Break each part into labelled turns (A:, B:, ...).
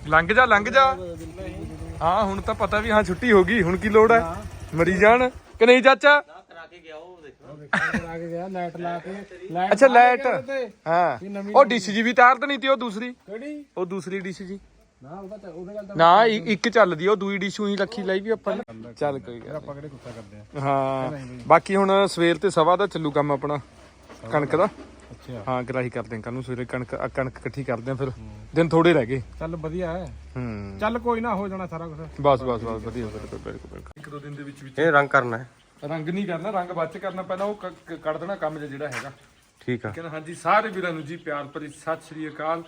A: ਲੰਘ ਜਾ ਹਾਂ ਹੁਣ ਤਾਂ ਪਤਾ ਵੀ ਹਾਂ ਛੁੱਟੀ ਹੋ ਗਈ ਹੁਣ ਕੀ ਲੋੜ ਹੈ ਮਰੀ ਜਾਣ ਕਿ ਨਹੀਂ ਚਾਚਾ ਅੱਛਾ ਲਾਈਟ ਹਾਂ ਉਹ ਡਿਸ਼ ਜੀ ਵੀ ਤਾਰ ਤਾਂ ਨਹੀਂ ਤੀ ਉਹ ਦੂਸਰੀ ਡਿਸ਼ ਜੀ ਨਾ ਇੱਕ ਚੱਲਦੀ ਉਹ ਦੂਈ ਡਿਸ਼ ਉਹੀ ਰੱਖੀ ਲਈ ਵੀ ਆਪਾਂ ਨੇ ਚੱਲ ਕੋਈ ਗੱਲ ਆਪਾਂ ਕਿਹੜੇ ਗੁੱਸਾ ਕਰਦੇ ਆ ਹਾਂ ਬਾਕੀ ਹੁਣ ਸਵੇਰ ਤੇ ਸਵਾ ਦਾ ਚੱਲੂ ਕੰਮ ਆਪਣਾ ਕਣਕ ਦਾ ਅੱਛਾ ਹਾਂ ਗਰਾਹੀ ਕਰਦੇ ਆ ਕੱਲ ਨੂੰ ਸਵੇਰੇ ਕਣਕ ਇਕੱਠੀ ਕਰਦੇ ਆ ਫਿਰ ਦਿਨ ਥੋੜੇ ਰਹਿ ਗਏ ਚੱਲ ਵਧੀਆ ਹੈ ਚੱਲ ਕੋਈ ਨਾ ਹੋ ਜਾਣਾ ਸਾਰਾ ਕੁਝ ਬਸ ਵਧੀਆ ਬਿਲਕੁਲ ਇੱਕ ਦੋ ਦਿਨ ਦੇ ਵਿੱਚ
B: ਇਹ ਰੰਗ ਕਰਨਾ ਹੈ
A: ਰੰਗ ਨਹੀਂ ਕਰਨਾ ਰੰਗ ਬਾਅਦ ਚ ਕਰਨਾ ਪਹਿਲਾਂ ਉਹ ਕੱਢ ਦੇਣਾ ਕੰਮ ਜਿਹੜਾ ਹੈਗਾ
B: ਠੀਕ ਆ
A: ਹਾਂਜੀ ਸਾਰੇ ਵੀਰਾਂ ਨੂੰ ਜੀ ਪਿਆਰ ਭਰੀ ਸਤਿ ਸ੍ਰੀ ਅਕਾਲ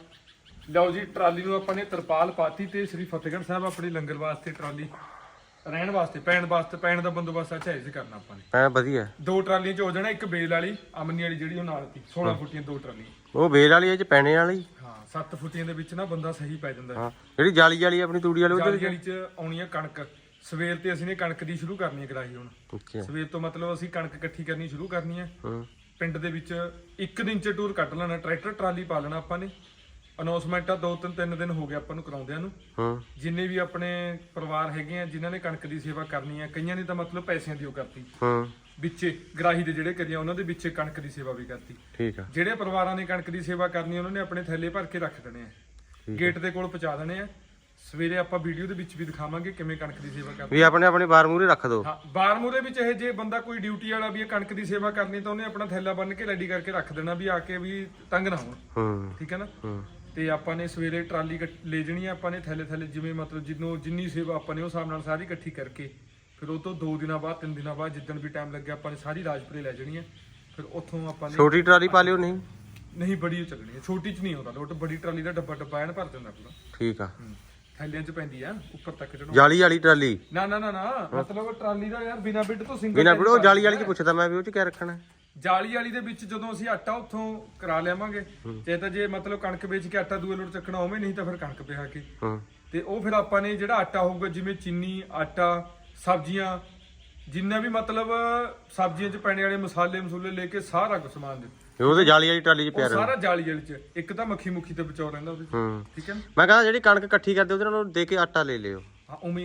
A: ਲਓ ਜੀ ਟਰਾਲੀ ਨੂੰ ਆਪਾਂ ਨੇ ਤਰਪਾਲ ਪਾਤੀ ਤੇ ਸ੍ਰੀ ਫਤਿਹਗੜ੍ਹ ਸਾਹਿਬ ਆਪਣੇ ਲੰਗਰ ਵਾਸਤੇ ਟਰਾਲੀ ਰਹਿਣ ਵਾਸਤੇ ਪੈਣ ਦਾ ਬੰਦੋਬਸਤ ਅੱਛਾ ਇਸ ਕਰਨਾ ਆਪਾਂ ਨੇ
B: ਵਧੀਆ
A: ਦੋ ਟਰਾਲੀਆਂ ਚ ਹੋ ਜਾਣਾ ਇੱਕ ਬੇਲ ਵਾਲੀ ਅਮਨੀ ਵਾਲੀ ਜਿਹੜੀ ਉਹ ਨਾਲ ਸੀ 16 ਫੁੱਟੀਆਂ ਦੋ ਟਰਾਲੀਆਂ
B: ਉਹ ਬੇਲ ਵਾਲੀ ਹੈ ਚ ਪੈਣੇ ਵਾਲੀ
A: ਹਾਂ 7 ਫੁੱਟੀਆਂ ਦੇ ਵਿੱਚ ਨਾ ਬੰਦਾ ਸਹੀ ਪੈ ਜਾਂਦਾ
B: ਹਾਂ ਜਿਹੜੀ ਜਾਲੀ ਵਾਲੀ ਆਪਣੀ ਤੂੜੀ ਵਾਲੀ
A: ਉਹਦੇ ਵਾਲੀ ਚ ਆਉਣੀ ਆ ਕਣਕ ਸਵੇਰ ਤੇ ਅਸੀਂ ਨੇ ਕਣਕ ਦੀ ਸ਼ੁਰੂ ਕਰਨੀ ਹੈ ਕਰਾਈ ਹੁਣ ਸਵੇਰ ਤੋਂ ਮਤਲਬ ਅਸੀਂ ਕਣਕ ਇਕੱਠੀ ਕਰਨੀ ਸ਼ੁਰੂ ਕਰਨੀ ਹੈ ਪਿੰਡ ਦੇ ਵਿੱਚ ਇੱਕ ਦਿਨ ਚ ਟੂਰ ਕੱਢ ਲੈਣਾ ਟਰੈਕਟਰ ਟਰਾਲੀ ਪਾ ਲੈਣਾ ਆਪਾਂ ਨੇ ਅਨਾਉਂਸਮੈਂਟ ਆ 2-3 ਦਿਨ ਹੋ ਗਏ ਆਪਾਂ ਨੂੰ ਕਰਾਉਂਦਿਆਂ ਨੂੰ ਜਿੰਨੇ ਵੀ ਆਪਣੇ ਪਰਿਵਾਰ ਹੈਗੇ ਆ ਜਿਨ੍ਹਾਂ ਨੇ ਕਣਕ ਦੀ ਸੇਵਾ ਕਰਨੀ ਹੈ ਕਈਆਂ ਨੇ ਤਾਂ ਮਤਲਬ ਪੈਸਿਆਂ ਦੀ ਉਹ ਕਰਤੀ ਵਿੱਚੇ ਗਰਾਹੀ ਦੇ ਜਿਹੜੇ ਕਰੀਆਂ ਉਹਨਾਂ ਦੇ ਵਿੱਚ ਕਣਕ ਦੀ ਸੇਵਾ ਵੀ ਕਰਤੀ
B: ਠੀਕ ਆ
A: ਜਿਹੜੇ ਪਰਿਵਾਰਾਂ ਨੇ ਕਣਕ ਦੀ ਸੇਵਾ ਕਰਨੀ ਉਹਨਾਂ ਨੇ ਆਪਣੇ ਥੈਲੇ ਭਰ ਕੇ ਰੱਖ ਦੇਣੇ ਆ ਗੇਟ ਦੇ ਕੋਲ ਪਹੁੰਚਾ ਦੇਣੇ ਆ ਸਵੇਰੇ ਆਪਾਂ ਵੀਡੀਓ ਦੇ ਵਿੱਚ ਵੀ ਦਿਖਾਵਾਂਗੇ ਕਿਵੇਂ ਕਣਕ ਦੀ ਸੇਵਾ ਕਰਨੀ
B: ਵੀ ਆਪਣੇ ਬਾਰ ਮੂਰੇ ਰੱਖ ਦੋ
A: ਹਾਂ ਬਾਰ ਮੂਰੇ ਵਿੱਚ ਇਹ ਜੇ ਬੰਦਾ ਕੋਈ ਡਿਊਟੀ ਵਾਲਾ ਵੀ ਕਣਕ ਦੀ ਸੇਵਾ ਕਰਨੀ ਤਾਂ ਉਹਨੇ ਆਪਣਾ ਥੈਲਾ ਬੰਨ ਕੇ ਰੈਡੀ ਕਰਕੇ ਰੱਖ ਦੇਣਾ ਵੀ ਆ ਕੇ ਵੀ ਤੰਗ ਨਾ ਹੋਣ ਠੀਕ ਹੈ ਨਾ ਤੇ ਆਪਾਂ ਨੇ ਸਵੇਰੇ ਟਰਾਲੀ ਲੈ ਜਣੀ ਆ ਆਪਾਂ ਨੇ ਥੈਲੇ ਜਿਵੇਂ ਮਤਲਬ ਜਿੰਨੀ ਸੇਵਾ ਆਪਾਂ ਨੇ ਉਸ ਹਿਸਾਬ ਨਾਲ ਸਾਰੀ ਇਕੱਠੀ ਕਰਕੇ ਫਿਰ ਉਹ ਤੋਂ 2 ਦਿਨਾਂ ਬਾਅਦ 3 ਦਿਨਾਂ ਬਾਅਦ ਜਿੱਦਣ ਵੀ ਟਾਈਮ ਲੱਗਿਆ ਆਪਾਂ ਨੇ ਸਾਰੀ ਰਾਜਪੁਰੇ ਲੈ ਜਣੀ ਆ ਫਿਰ ਉੱਥੋਂ ਆਪਾਂ ਨੇ
B: ਛੋਟੀ ਟਰਾਲੀ ਪਾ ਲਿਓ
A: ਨਹੀਂ ਬੜੀ ਚੱਲਣੀ ਹੈ ਛੋਟੀ ਚ ਨਹੀਂ ਆਉਂਦਾ ਲੋਟ ਬੜੀ ਟਰਾਲੀ ਦਾ ਡੱਬਾ ਐਨ ਭਰ ਜਾਂਦਾ ਪੂਰਾ
B: ਠੀਕ ਆ
A: ਥੈਲਿਆਂ ਚ ਪੈਂਦੀ ਆ ਉੱਪਰ ਤੱਕ ਚੜਾਉਣੀ
B: ਜਾਲੀ ਵਾਲੀ ਟਰਾਲੀ
A: ਨਾ ਮਤਲਬ ਟਰਾਲੀ ਦਾ ਯਾਰ ਬਿਨਾ ਬਿੱਡ ਤੋਂ ਸਿੰਗਲ
B: ਬਿਨਾ ਬਿੱਡ ਉਹ ਜਾਲੀ ਵਾਲੀ ਚ ਪੁੱਛਦਾ ਮੈਂ ਵੀ ਉਹ ਚ ਕੀ ਰੱਖਣਾ
A: ਜਾਲੀ ਵਾਲੀ ਦੇ ਵਿੱਚ ਜਦੋਂ ਅਸੀਂ ਆਟਾ ਉੱਥੋਂ ਕਰਾ ਲਿਆਵਾਂਗੇ ਜੇ ਮਤਲਬ ਕਣਕ ਵੇਚ ਕੇ ਆਟਾ ਦੂਏ ਲੋਟ ਚੱਕਣਾ ਹੋਵੇ ਨਹੀਂ ਤਾਂ ਫਿਰ ਕਣਕ ਪਿਹਾ ਕੇ ਤੇ ਉਹ ਫਿਰ ਆਪਾਂ ਨੇ ਜਿਹੜਾ ਆਟਾ ਹੋਊਗਾ ਜਿਵੇਂ ਚੀਨੀ ਆਟਾ ਸਬਜ਼ੀਆਂ ਜਿੰਨਾ ਵੀ ਮਤਲਬ ਸਬਜ਼ੀਆਂ 'ਚ ਪੈਣੇ ਵਾਲੇ ਮਸਾਲੇ ਲੈ ਕੇ ਸਾਰਾ ਕੁਝ ਸਮਾਨ ਦੇ
B: ਉਹਦੇ ਜਾਲੀ ਵਾਲੀ ਟਰਾਲੀ 'ਚ ਪਿਆ
A: ਸਾਰਾ ਜਾਲੀ ਵਾਲੀ 'ਚ ਇੱਕ ਤਾਂ ਮੱਖੀ ਮੁੱਖੀ ਤੇ ਬਚਾਉ ਰਹਿੰਦਾ ਉਹਦੇ ਠੀਕ ਹੈ
B: ਮੈਂ ਕਹਿੰਦਾ ਜਿਹੜੀ ਕਣਕ ਇਕੱਠੀ ਕਰਦੇ ਉਹਦੇ ਨਾਲ ਦੇ ਕੇ ਆਟਾ ਲੈ ਲਿਓ
A: ਹਾਂ ਉਵੇਂ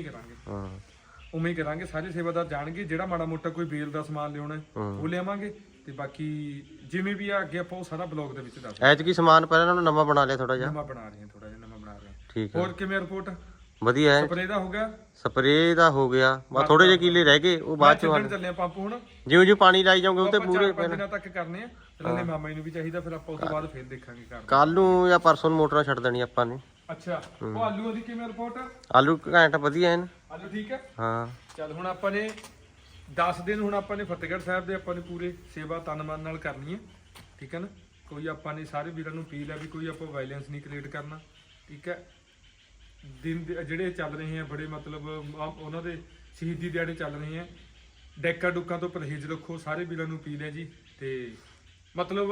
A: ਹੀ ਕਰਾਂਗੇ ਸਾਰੇ ਸੇਵਾਦਾਰ ਜਾਣਗੇ ਜਿਹੜਾ ਮਾੜਾ ਮੋਟਾ ਕੋਈ ਬੇਲ ਦਾ ਸਮਾਨ ਲਿਆਉਣਾ ਉਹ ਲਿਆਵਾਂਗੇ ਤੇ ਬਾਕੀ ਜਿਵੇਂ ਵੀ ਆ ਅੱਗੇ ਆਪਾਂ ਉਹ ਸਾਰਾ ਬਲੌਗ ਦੇ ਵਿੱਚ ਦੱਸ
B: ਐਤਕੀ ਸਮਾਨ ਪਹਿਲਾਂ ਨਾਲੋਂ ਨਵਾਂ ਬਣਾ ਲਿਆ ਥੋੜਾ ਜਿਹਾ
A: ਨਵਾਂ ਬਣਾ ਰਹੇ
B: ਠੀਕ
A: ਹੋਰ ਕਿਵੇਂ ਰਿਪੋਰਟ
B: ਵਧੀਆ ਹੈ ਸਪਰੇ ਦਾ ਹੋ ਗਿਆ ਬਸ ਥੋੜੇ ਜਿਹੇ ਕੀਲੇ ਰਹਿ ਗਏ ਉਹ ਬਾਅਦ ਚ
A: ਚੱਲੇ ਆ ਪੰਪ ਹੁਣ
B: ਜਿਉਂ ਪਾਣੀ ਲਾਈ ਜਾਓਗੇ ਉਹ ਤੇ ਪੂਰੇ
A: ਦਿਨਾਂ ਤੱਕ ਕਰਨੇ ਆ ਨਾਲੇ ਮਾਮਾ ਜੀ ਨੂੰ ਵੀ ਚਾਹੀਦਾ ਫਿਰ ਆਪਾਂ ਉਸ ਤੋਂ ਬਾਅਦ ਫੇਰ ਦੇਖਾਂਗੇ
B: ਕੱਲ ਨੂੰ ਜਾਂ ਪਰਸੋਂ ਨੂੰ ਮੋਟਰਾਂ ਛੱਡ ਦੇਣੀ ਆਪਾਂ ਨੇ
A: ਅੱਛਾ ਉਹ ਆਲੂ ਦੀ ਕਿਵੇਂ ਰਿਪੋਰਟ
B: ਆਲੂ ਘੈਂਟ ਵਧੀਆ ਹਨ
A: ਆਲੂ ਠੀਕ ਹੈ
B: ਹਾਂ
A: ਚੱਲ ਹੁਣ ਆਪਾਂ ਨੇ 10 ਦਿਨ ਹੁਣ ਆਪਾਂ ਨੇ ਫਤਿਹਗੜ੍ਹ ਸਾਹਿਬ ਦੇ ਆਪਾਂ ਨੇ ਪੂਰੇ ਸੇਵਾ ਤਨ ਮਨ ਨਾਲ ਕਰਨੀ ਹੈ ਠੀਕ ਹੈ ਨਾ ਕੋਈ ਆਪਾਂ ਨੇ ਸਾਰੇ ਵੀਰਾਂ ਨੂੰ ਅਪੀਲ ਹੈ ਵੀ ਕੋਈ ਆਪਾਂ ਵਾਇਲੈਂਸ ਨਹੀਂ ਕ੍ਰੀਏਟ ਕਰਨਾ ਠੀਕ ਹੈ ਦਿਨ ਜਿਹੜੇ ਚੱਲ ਰਹੇ ਆ ਬੜੇ ਮਤਲਬ ਉਹਨਾਂ ਦੇ ਸ਼ਹੀਦੀ ਦਿਹਾੜੇ ਚੱਲ ਰਹੇ ਆ ਡੈਕਾਂ ਡੁੱਕਾਂ ਤੋਂ ਪਰਹੇਜ਼ ਰੱਖੋ ਸਾਰੇ ਵੀਰਾਂ ਨੂੰ ਅਪੀਲ ਹੈ ਜੀ ਤੇ ਮਤਲਬ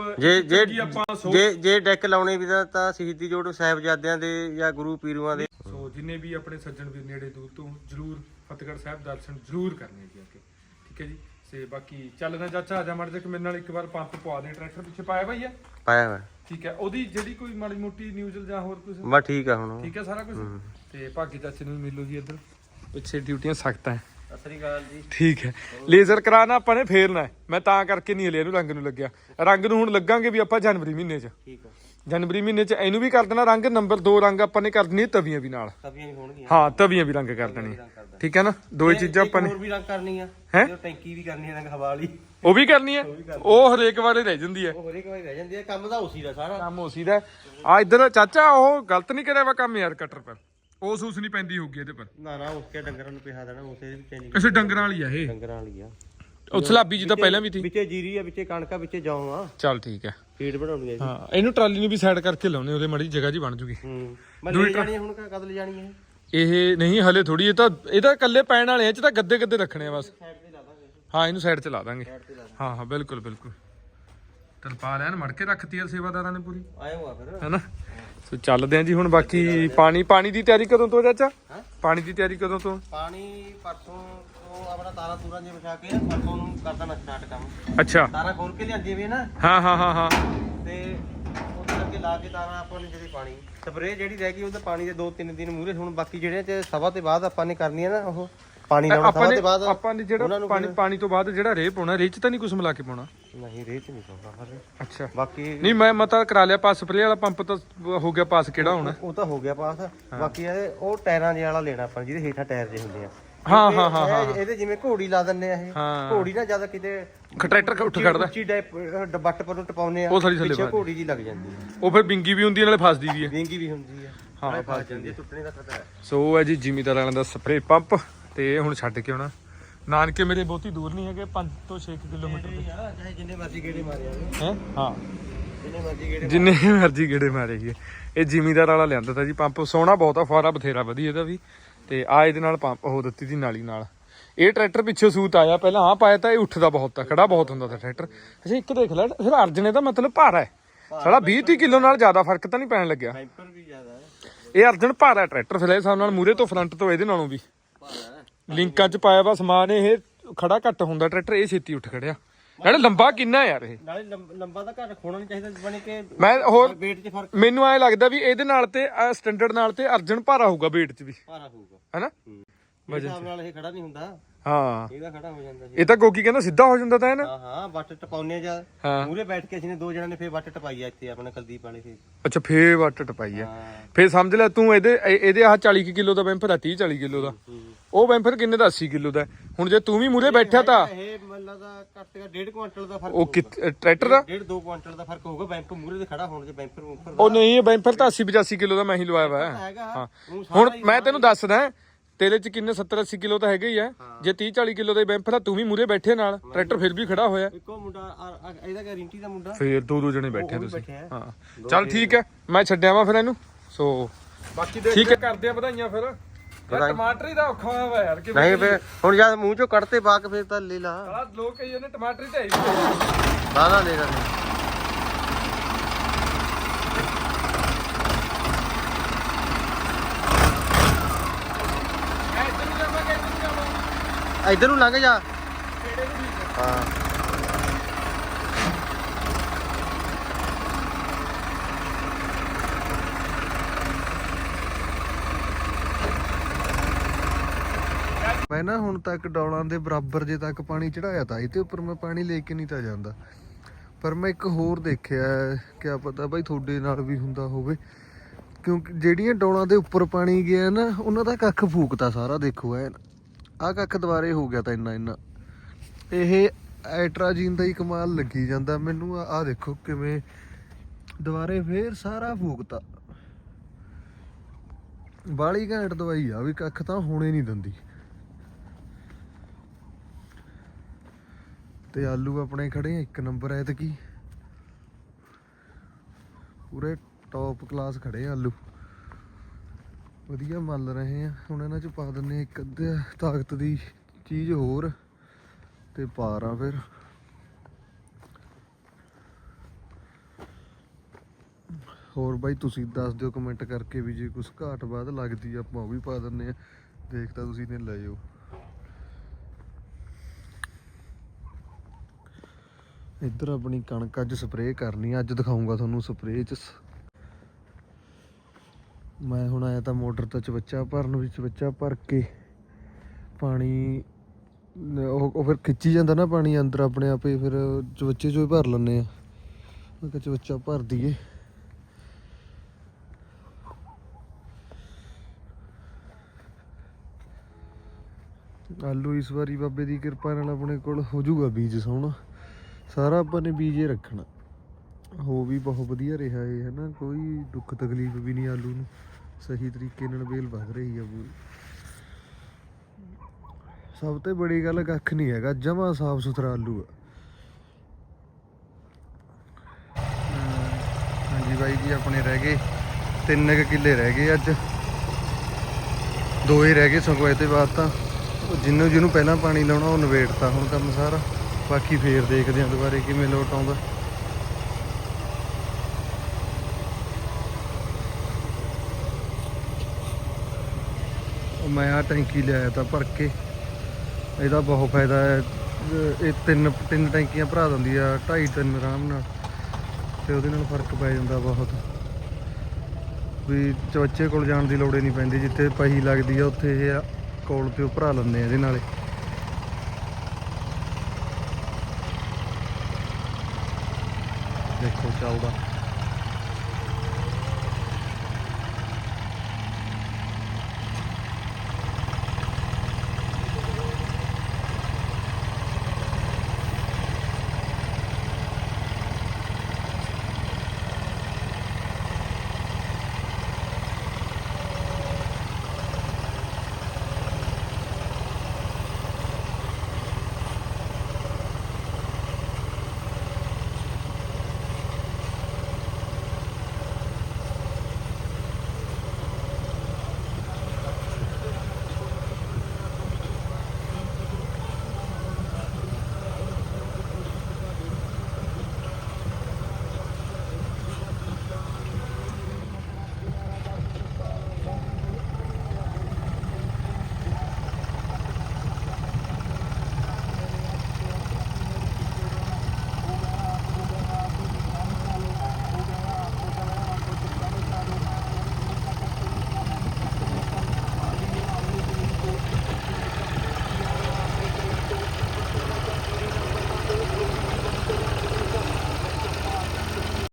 B: ਜੇ ਡੈਕ ਲਾਉਣੇ ਵੀ ਤਾਂ ਸ਼ਹੀਦੀ ਜੋੜ ਸਾਹਿਬਜ਼ਾਦਿਆਂ ਦੇ ਜਾਂ ਗੁਰੂ ਪੀਰਾਂ ਦੇ
A: ਸੋ ਜਿੰਨੇ ਵੀ ਆਪਣੇ ਸੱਜਣ ਵੀਰ ਨੇੜੇ ਦੂਰ ਤੋਂ ਜ਼ਰੂਰ ਫਤਿਹਗੜ੍ਹ ਸਾਹਿਬ ਦਰਸ਼ਨ ਜ਼ਰੂਰ ਕਰਨੇ ਜੀ ਅੱਗੇ ਠੀਕ ਹੈ ਜੀ ਤੇ ਬਾਕੀ ਚੱਲਣਾ ਚਾਚਾ ਆ ਜਾ ਮੜ ਜਾ ਮੇਰੇ ਨਾਲ ਇੱਕ ਵਾਰ ਪੰਪ ਪਵਾ ਦੇ ਟਰੈਕਟਰ ਪਿੱਛੇ ਪਾਇਆ ਭਾਈ ਹੈ
B: ਪਾਇਆ ਵਾ ਠੀਕ
A: ਹੈ ਉਹਦੀ ਜਿਹੜੀ ਕੋਈ ਮਾੜੀ ਮੋਟੀ ਨਿਊਜ਼ ਜਾਂ ਹੋਰ ਕੁਝ
B: ਬਸ ਠੀਕ ਆ ਹੁਣ
A: ਠੀਕ ਹੈ ਸਾਰਾ ਕੁਝ ਤੇ ਭਾਗੀ ਚਾਚੇ ਨੂੰ ਮਿਲੋ ਜੀ ਇੱਧਰ ਪਿੱਛੇ ਡਿਊਟੀਆਂ ਸਖਤ ਹੈ
B: ਸਤਿ ਸ੍ਰੀ ਅਕਾਲ ਜੀ
A: ਠੀਕ ਹੈ ਲੇਜ਼ਰ ਕਰਾਣਾ ਆਪਾਂ ਨੇ ਫੇਰਨਾ ਮੈਂ ਤਾਂ ਕਰਕੇ ਨਹੀਂ ਹਲੇ ਇਹਨੂੰ ਰੰਗ ਨੂੰ ਲੱਗਿਆ ਰੰਗ ਨੂੰ ਹੁਣ ਲੱਗਾਂਗੇ ਵੀ ਆਪਾਂ ਜਨਵਰੀ ਮਹੀਨੇ 'ਚ
B: ਠੀਕ ਆ
A: ਜਨਵਰੀ ਮਹੀਨੇ 'ਚ ਇਹਨੂੰ ਵੀ ਕਰ ਦੇਣਾ ਰੰਗ ਨੰਬਰ 2 ਰੰਗ ਆਪਾਂ ਨੇ ਕਰ ਦੇਣੀ ਤਵੀਆਂ ਵੀ ਨਾਲ ਹਾਂ ਤਵੀਆਂ ਵੀ ਰੰਗ ਕਰ ਦੇਣੀ ਠੀਕ ਹੈ ਨਾ ਦੋ ਹੀ ਚੀਜ਼ਾਂ ਆਪਾਂ ਨੇ
B: ਹੋਰ ਵੀ ਰੰਗ ਕਰਨੀ ਆ ਟੈਂਕੀ ਵੀ ਕਰਨੀ ਆ ਰੰਗ ਹਵਾ ਵਾਲੀ
A: ਉਹ ਵੀ ਕਰਨੀ ਹੈ ਉਹ ਹਰੇਕ ਵਾਰੇ ਰਹਿ ਜਾਂਦੀ ਹੈ
B: ਕੰਮ ਤਾਂ ਉਸੀ ਦਾ ਸਾਰਾ
A: ਕੰਮ ਉਸੀ ਦਾ ਆ ਇੱਧਰ ਚਾਚਾ ਉਹ ਗਲਤ ਨਹੀਂ ਕਰਿਆ ਵਾ ਕੰਮ ਯਾਰ ਕਟਰ ਪਰ ਉਹ ਸੂਸ ਨਹੀਂ ਪੈਂਦੀ ਹੋਊਗੀ ਇਹਦੇ ਪਰ
B: ਨਾ ਉਸਕੇ ਡੰਗਰਾਂ ਨੂੰ ਪਿਹਾ ਦੇਣਾ ਉਸੇ ਦੀ ਟੈਨਿੰਗ
A: ਕਿਸੇ ਡੰਗਰਾਂ ਵਾਲੀ ਆ ਇਹ
B: ਡੰਗਰਾਂ ਵਾਲੀ ਆ
A: ਉਹ ਸਲਾਬੀ ਜੀ ਤਾਂ ਪਹਿਲਾਂ ਵੀ ਸੀ
B: ਵਿੱਚੇ ਜੀਰੀ ਆ ਵਿੱਚੇ ਕਣਕਾ ਵਿੱਚੇ ਜੌਂ ਆ
A: ਚੱਲ ਠੀਕ ਹੈ
B: ਫੀਡ ਬਣਾਉਣੀ ਆ
A: ਹਾਂ ਇਹਨੂੰ ਟਰਾਲੀ ਨੂੰ ਵੀ ਸਾਈਡ ਕਰਕੇ ਲਾਉਣੇ ਉਹਦੇ ਮਾੜੀ ਜਗ੍ਹਾ ਜੀ ਬਣ ਜੂਗੀ
B: ਮੈਂ ਲੈ ਜਾਣੀ ਹੁਣ ਕਦ ਲੈ ਜਾਣੀ
A: ਇਹ ਨਹੀਂ ਹਲੇ ਥੋੜੀ ਇਹ ਤਾਂ ਇਕੱਲੇ ਪੈਣ ਵਾਲੇ ਆ ਚ ਤਾਂ ਗੱਦੇ ਰੱਖਣੇ ਆ ਬਸ ਹਾਂ ਇਹਨੂੰ ਸਾਈਡ 'ਚ ਲਾ ਦਾਂਗੇ ਹਾਂ ਬਿਲਕੁਲ ਤਰਪਾਲ ਐਨ ਮੜ ਕੇ ਰੱਖਤੀ ਆ ਸੇਵਾਦਾਰਾਂ ਨੇ ਪੂਰੀ
B: ਆਏ ਹੋਆ ਫਿਰ
A: ਹੈਨਾ ਸੋ ਚੱਲਦੇ ਆ ਜੀ ਹੁਣ ਬਾਕੀ ਪਾਣੀ ਦੀ ਤਿਆਰੀ ਕਦੋਂ ਤੋਂ ਚਾਚਾ ਪਾਣੀ ਦੀ ਤਿਆਰੀ ਕਦੋਂ ਤੋਂ
B: ਪਾਣੀ ਪਰਸੋਂ ਤੋਂ ਆਪਣਾ ਤਾਰਾਂ ਤੂਰਾਂ ਜੇ ਵਿਛਾ ਕੇ ਪਰਸੋਂ ਨੂੰ ਕਰ ਦੇਣਾ ਸਟਾਰਟ ਕੰਮ
A: ਅੱਛਾ
B: ਤਾਰਾਂ ਖੋਲ ਕੇ ਲਿਆਂਦੀ ਵੀ ਨਾ
A: ਹਾਂ
B: ਤੇ ਉਹਦੇ ਅੱਗੇ ਲਾ ਕੇ ਤਾਰਾਂ ਆਪਾਂ ਨੇ ਜਿਹੜੇ ਪਾਣੀ ਸਪਰੇਅ ਜਿਹੜੀ ਰਹਿ ਗਈ ਉਹਦਾ ਪਾਣੀ ਦੇ 2-3 ਦਿਨ ਮੂਰੇ ਹੁਣ ਬਾਕੀ ਜਿਹੜੇ ਚ ਸਭਾ ਤੇ ਬਾਅਦ ਆਪਾਂ ਨੇ ਕਰਨੀ ਹੈ ਨਾ ਉਹ ਪਾਣੀ ਲਾਉਣਾ ਸਭਾ ਤੇ ਬਾਅਦ
A: ਆਪਾਂ ਨੇ ਜਿਹੜਾ ਪਾਣੀ ਤੋਂ ਬਾਅਦ ਜਿਹੜਾ ਰੇਹ ਪਾਉਣਾ ਰੇਹ ਚ ਤਾਂ ਨਹੀਂ ਕੁਝ ਮਿਲਾ ਕੇ ਪਾਉਣਾ
B: ਨਹੀਂ ਰੇਹ ਚ ਨਹੀਂ ਪਾਉਣਾ ਹਰੇ
A: ਅੱਛਾ
B: ਬਾਕੀ
A: ਨਹੀਂ ਮੈਂ ਤਾਂ ਕਰਾ ਲਿਆ ਪਾਸ ਸਪਰੇਅ ਵਾਲਾ ਪੰਪ ਤਾਂ ਹੋ ਗਿਆ ਪਾਸ ਕਿਹੜਾ ਹੋਣਾ
B: ਉਹ ਤਾਂ ਹੋ ਗਿਆ ਪਾਸ ਬਾਕੀ ਉਹ ਟਾਇਰਾਂ ਜਿਹੇ ਵਾਲਾ ਲੈਣਾ ਆਪਾਂ ਜਿਹਦੇ ਹੇਠਾਂ ਟਾਇਰ ਜੇ ਹੁੰਦੇ ਆ
A: ਹਾਂ
B: ਇਹਦੇ ਜਿਵੇਂ ਘੋੜੀ ਲਾ ਦਿੰਨੇ ਆ ਇਹ ਘੋੜੀ ਨਾ ਜਿਆਦਾ ਕਿਤੇ
A: ਟਰੈਕਟਰ ਉੱਠ ਖੜਦਾ
B: ਉੱਚੀ ਬੱਟ ਪਰ ਨੂੰ ਟਪਾਉਨੇ ਆ
A: ਉਹ ਸਾਰੀ ਥੱਲੇ
B: ਘੋੜੀ ਜੀ ਲੱਗ ਜਾਂਦੀ ਹੈ
A: ਉਹ ਫਿਰ ਬਿੰਗੀ ਵੀ ਹੁੰਦੀ ਹੈ ਨਾਲੇ ਫਸਦੀ ਵੀ ਹੈ
B: ਵਿੰਗੀ ਵੀ ਹੁੰਦੀ ਹੈ ਹਾਂ ਫਸ ਜਾਂਦੀ ਹੈ ਟੁੱਟਣੇ ਦਾ ਖਤਰਾ ਹੈ
A: ਸੋ ਹੈ ਜੀ ਜ਼ਿਮੀਦਾਰ ਵਾਲਿਆਂ ਦਾ ਸਪਰੇਅ ਪੰਪ ਤੇ ਹੁਣ ਛੱਡ ਕੇ ਆਉਣਾ ਨਾਨਕੇ ਮੇਰੇ ਬਹੁਤੀ ਦੂਰ ਨਹੀਂ ਹੈਗੇ 5 ਤੋਂ 6 ਕਿਲੋਮੀਟਰ ਤੇ
B: ਚਾਹੇ ਜਿੰਨੇ ਮਰਜ਼ੀ ਗੇੜੇ ਮਾਰੇ
A: ਹੈ ਹਾਂ
B: ਜਿੰਨੇ
A: ਮਰਜ਼ੀ ਗੇੜੇ ਮਾਰੇ ਗਏ ਇਹ ਜ਼ਿਮੀਦਾਰ ਵਾਲਾ ਲਿਆਂਦਾ ਤਾ ਜੀ ਪੰਪ ਸੋਹਣਾ ਬਹੁਤ ਆ ਫੁਆਰਾ ਬਥੇਰਾ ਵਧੀਆ ਇਹਦਾ ਵੀ ਤੇ ਆ ਇਹਦੇ ਨਾਲ ਪੰਪ ਉਹ ਦਿੱਤੀ ਸੀ ਨਾਲੀ ਨਾਲ ਇਹ ਟਰੈਕਟਰ ਪਿੱਛੇ ਸੂਤ ਆਇਆ ਪਹਿਲਾਂ ਆ ਪਾਇਆ ਤਾਂ ਇਹ ਉੱਠਦਾ ਬਹੁਤ ਆ ਖੜਾ ਬਹੁਤ ਹੁੰਦਾ ਤਾਂ ਟਰੈਕਟਰ ਅੱਛਾ ਇੱਕ ਦੇਖ ਲੈ ਫਿਰ ਅਰਜਨੇ ਦਾ ਮਤਲਬ ਭਾਰਾ ਹੈ ਸਾਲਾ 20-30 ਕਿਲੋ ਨਾਲ ਜ਼ਿਆਦਾ ਫਰਕ ਤਾਂ ਨਹੀਂ ਪੈਣ ਲੱਗਿਆ
B: ਬੈਂਪਰ ਵੀ ਜ਼ਿਆਦਾ ਹੈ
A: ਇਹ ਅਰਜਨ ਭਾਰਾ ਟਰੈਕਟਰ ਫਿਰ ਹਿਸਾਬ ਨਾਲ ਮੂਰੇ ਤੋਂ ਫਰੰਟ ਤੋਂ ਇਹਦੇ ਨਾਲੋਂ ਵੀ ਲਿੰਕਾਂ 'ਚ ਪਾਇਆ ਵਾ ਸਮਾਨ ਇਹ ਖੜਾ ਘੱਟ ਹੁੰਦਾ ਟਰੈਕਟਰ ਇਹ ਛੇਤੀ ਉੱਠ ਖੜਿਆ ਨਾਲੇ ਲੰਬਾ ਕਿੰਨਾ ਯਾਰ ਇਹ
B: ਨਾਲੇ ਲੰਬਾ ਤਾਂ ਘੱਟ ਖੋਣਾ ਨਹੀਂ ਚਾਹੀਦਾ ਬਣੇ ਕਿ
A: ਮੈਂ ਹੋਰ
B: weight 'ਚ ਫਰਕ
A: ਮੈਨੂੰ ਐ ਲੱਗਦਾ ਵੀ ਇਹਦੇ ਨਾਲ ਤੇ ਸਟੈਂਡਰਡ ਨਾਲ ਤੇ ਅਰਜਨ ਭਾਰਾ ਹੋਊਗਾ weight 'ਚ ਵੀ
B: ਭਾਰਾ ਹੋਊਗਾ
A: ਹੈਨਾ
B: ਵਜਨ ਹਿਸਾਬ ਨਾਲ ਇਹ ਖੜਾ ਨਹੀਂ ਹੁੰਦਾ
A: ਹਾਂ
B: ਇਹਦਾ ਖੜਾ ਹੋ ਜਾਂਦਾ ਜੀ
A: ਇਹ ਤਾਂ ਗੋਗੀ ਕਹਿੰਦਾ ਸਿੱਧਾ ਹੋ ਜਾਂਦਾ ਤਾਂ ਹੈ ਨਾ
B: ਹਾਂ ਵੱਟ ਟਪਾਉਨੇ ਜਾ ਮੂਰੇ ਬੈਠ ਕੇ ਅਸੀਂ ਨੇ 2 ਜਣਾਂ ਨੇ ਫੇਰ ਵੱਟ ਟਪਾਈ ਆ ਇੱਥੇ ਆਪਣੇ ਕੁਲਦੀਪ ਵਾਲੇ ਫੇਰ
A: ਅੱਛਾ ਫੇਰ ਵੱਟ ਟਪਾਈ ਆ ਫੇਰ ਸਮਝ ਲੈ ਤੂੰ ਇਹਦੇ ਆਹ 40 ਕਿਲੋ ਦਾ ਬੈਂਫਰ ਆ 30-40 ਕਿਲੋ ਦਾ ਉਹ ਬੈਂਫਰ ਕਿੰਨੇ ਦਾ 80 ਕਿਲੋ ਦਾ ਹੁਣ ਜੇ ਤੂੰ ਵੀ ਮੂਰੇ ਬੈਠਿਆ ਤਾਂ
B: ਇਹ ਮੈਨੂੰ ਦਾ ਘੱਟ 1.5 ਕੁਇੰਟਲ ਦਾ ਫਰਕ
A: ਉਹ ਟਰੈਕਟਰ ਦਾ
B: 1.5-2 ਕੁਇੰਟਲ ਦਾ ਫਰਕ ਹੋਊਗਾ ਬੈਂਪਰ ਮੂਰੇ ਤੇ ਖੜਾ ਹੋਣ ਦੇ ਬੈਂਪਰ ਉੱਪਰ
A: ਉਹ ਨਹੀਂ ਇਹ ਬੈਂਫਰ ਤਾਂ 80-85 ਕਿਲੋ ਦਾ ਮੈਂ ਹੀ ਲਵਾਇਆ ਵਾ ਹਾਂ ਹੁਣ ਮੈਂ ਤੈਨੂੰ ਦੱਸਦਾ ਤੇਰੇ ਚ ਕਿੰਨੇ 70-80 ਕਿਲੋ ਤਾਂ ਹੈਗੇ ਹੀ ਆ ਜੇ 30-40 ਕਿਲੋ ਦਾ ਬੈਂਫਰ ਆ ਤੂੰ ਵੀ ਮੂਰੇ ਬੈਠੇ ਨਾਲ ਟਰੈਕਟਰ ਫਿਰ ਵੀ ਖੜਾ ਹੋਇਆ
B: ਇੱਕੋ ਮੁੰਡਾ ਇਹਦਾ ਗਾਰੰਟੀ ਦਾ ਮੁੰਡਾ
A: ਫੇਰ ਦੋ ਜਣੇ ਬੈਠੇ ਤੁਸੀਂ ਹਾਂ ਚੱਲ ਠੀਕ ਹੈ ਮੈਂ ਛੱਡਿਆ ਵਾ ਫਿਰ ਇਹਨੂੰ ਸੋ ਬਾਕੀ ਠੀਕ ਹੈ ਕਰਦੇ ਆ ਵਧਾਈਆਂ ਫਿਰ ਟਮਾਟਰ ਹੀ ਦਾ ਔਖਾ ਹੋਇਆ ਵਾ ਯਾਰ ਕਿ
B: ਨਹੀਂ ਫੇਰ ਹੁਣ ਜਦ ਮੂੰਹ ਚੋਂ ਕੱਢਤੇ ਬਾਕ ਫੇਰ ਤਾਂ ਲੈ ਲਾ
A: ਸਾਲਾ ਲੋਕ ਕਹੀ ਜਾਂਦੇ ਟਮਾਟਰ ਹੀ ਢਾਈ
B: ਨਾ ਲੈ ਲੈ ਇੱਧਰ ਨੂੰ ਲੰਘ ਜਾ ਹਾਂ
C: ਮੈਂ ਨਾ ਹੁਣ ਤੱਕ ਡੌਲਾਂ ਦੇ ਬਰਾਬਰ ਜੇ ਤੱਕ ਪਾਣੀ ਚੜਾਇਆ ਤਾਂ ਇਹਦੇ ਉੱਪਰ ਮੈਂ ਪਾਣੀ ਲੈ ਕੇ ਨਹੀਂ ਤਾਂ ਜਾਂਦਾ ਪਰ ਮੈਂ ਇੱਕ ਹੋਰ ਦੇਖਿਆ ਕਿਆ ਪਤਾ ਬਾਈ ਤੁਹਾਡੇ ਨਾਲ ਵੀ ਹੁੰਦਾ ਹੋਵੇ ਕਿਉਂਕਿ ਜਿਹੜੀਆਂ ਡੌਲਾਂ ਦੇ ਉੱਪਰ ਪਾਣੀ ਗਿਆ ਨਾ ਉਹਨਾਂ ਦਾ ਕੱਖ ਫੂਕਤਾ ਸਾਰਾ ਦੇਖੋ ਐ ਆਹ ਕੱਖ ਦੁਬਾਰੇ ਹੋ ਗਿਆ ਤਾਂ ਇੰਨਾ ਇਹ ਐਟਰਾਜੀਨ ਦਾ ਹੀ ਕਮਾਲ ਲੱਗੀ ਜਾਂਦਾ ਮੈਨੂੰ ਆਹ ਦੇਖੋ ਕਿਵੇਂ ਦੁਬਾਰੇ ਫੇਰ ਸਾਰਾ ਫੂਕਤਾ ਬਾਲੀ ਘੈਂਟ ਦਵਾਈ ਆ ਵੀ ਕੱਖ ਤਾਂ ਹੋਣੇ ਨਹੀਂ ਦਿੰਦੀ ਤੇ ਆਲੂ ਆਪਣੇ ਖੜੇ ਇੱਕ ਨੰਬਰ ਐਤਕੀ ਪੂਰੇ ਟੌਪ ਕਲਾਸ ਖੜੇ ਆਲੂ ਵਧੀਆ ਮੱਲ ਰਹੇ ਆ ਹੁਣ ਇਹਨਾਂ ਚ ਪਾ ਦਿੰਨੇ ਇੱਕ ਅੱਧੇ ਤਾਕਤ ਦੀ ਚੀਜ਼ ਹੋਰ ਤੇ ਪਾਰਾਂ ਫਿਰ ਹੋਰ ਬਾਈ ਤੁਸੀਂ ਦੱਸ ਦਿਓ ਕਮੈਂਟ ਕਰਕੇ ਵੀ ਜੇ ਕੁਛ ਘਾਟ ਬਾਅਦ ਲੱਗਦੀ ਆਪਾਂ ਉਹ ਵੀ ਪਾ ਦਿੰਨੇ ਆ ਦੇਖ ਤਾਂ ਤੁਸੀਂ ਨੇ ਲੈ ਜਾਓ ਇੱਧਰ ਆਪਣੀ ਕਣਕ ਅੱਜ ਸਪਰੇਅ ਕਰਨੀ ਅੱਜ ਦਿਖਾਉਂਗਾ ਤੁਹਾਨੂੰ ਸਪਰੇਅ ਚ ਮੈਂ ਹੁਣ ਆਇਆ ਤਾਂ ਮੋਟਰ ਤੋਂ ਚਵੱਚਾ ਭਰਨ ਵਿੱਚ ਚਵੱਚਾ ਭਰ ਕੇ ਪਾਣੀ ਉਹ ਫਿਰ ਖਿੱਚੀ ਜਾਂਦਾ ਨਾ ਪਾਣੀ ਅੰਦਰ ਆਪਣੇ ਆਪੇ ਫਿਰ ਚਵੱਚੇ ਚੋਂ ਹੀ ਭਰ ਲੈਂਦੇ ਆ ਮੈਂ ਕਿਹਾ ਚਵੱਚਾ ਭਰ ਦਈਏ ਆਲੂ ਇਸ ਵਾਰੀ ਬਾਬੇ ਦੀ ਕਿਰਪਾ ਨਾਲ ਆਪਣੇ ਕੋਲ ਹੋ ਜਾਊਗਾ ਬੀਜ ਸੋਹਣਾ ਸਾਰਾ ਆਪਾਂ ਨੇ ਬੀਜੇ ਰੱਖਣਾ ਹੋ ਵੀ ਬਹੁਤ ਵਧੀਆ ਰਿਹਾ ਇਹ ਹੈ ਨਾ ਕੋਈ ਦੁੱਖ ਤਕਲੀਫ ਵੀ ਨਹੀਂ ਆਲੂ ਨੂੰ ਸਹੀ ਤਰੀਕੇ ਨਾਲ ਵੇਲ ਵਧ ਰਹੀ ਆ ਪੂਰੀ ਸਭ ਤੋਂ ਬੜੀ ਗੱਲ ਕੱਖ ਨਹੀਂ ਹੈਗਾ ਜਮਾਂ ਸਾਫ ਸੁਥਰਾ ਆਲੂ ਆ ਹਾਂਜੀ ਬਾਈ ਜੀ ਆਪਣੇ ਰਹਿ ਗਏ 3 ਕਿੱਲੇ ਰਹਿ ਗਏ ਅੱਜ 2 ਹੀ ਰਹਿ ਗਏ ਸਗੋਂ ਇਹਦੇ ਬਾਅਦ ਤਾਂ ਜਿਹਨੂੰ ਪਹਿਲਾਂ ਪਾਣੀ ਲਾਉਣਾ ਉਹ ਨਵੇੜਤਾ ਹੁਣ ਕੰਮ ਸਾਰਾ ਬਾਕੀ ਫੇਰ ਦੇਖਦੇ ਆਂ ਦੁਬਾਰੇ ਕਿਵੇਂ ਲੋਟ ਆਉਂਦਾ ਮੈਂ ਆ ਟੈਂਕੀ ਲਿਆਇਆ ਤਾਂ ਭਰ ਕੇ ਇਹਦਾ ਬਹੁਤ ਫਾਇਦਾ ਹੈ ਇਹ ਤਿੰਨ ਟੈਂਕੀਆਂ ਭਰਾ ਦਿੰਦੀ ਆ 2.5-3 ਆਰਾਮ ਨਾਲ ਤੇ ਉਹਦੇ ਨਾਲ ਫਰਕ ਪੈ ਜਾਂਦਾ ਬਹੁਤ ਵੀ ਚਵੱਚੇ ਕੋਲ ਜਾਣ ਦੀ ਲੋੜ ਹੀ ਨਹੀਂ ਪੈਂਦੀ, ਜਿੱਥੇ ਪਹੀ ਲੱਗਦੀ ਆ ਉੱਥੇ ਇਹ ਕੋਲ ਤੇ ਉਹ ਭਰਾ ਲੈਂਦੇ ਆ ਇਹਦੇ ਨਾਲੇ। ਦੇਖੋ ਚੱਲਦਾ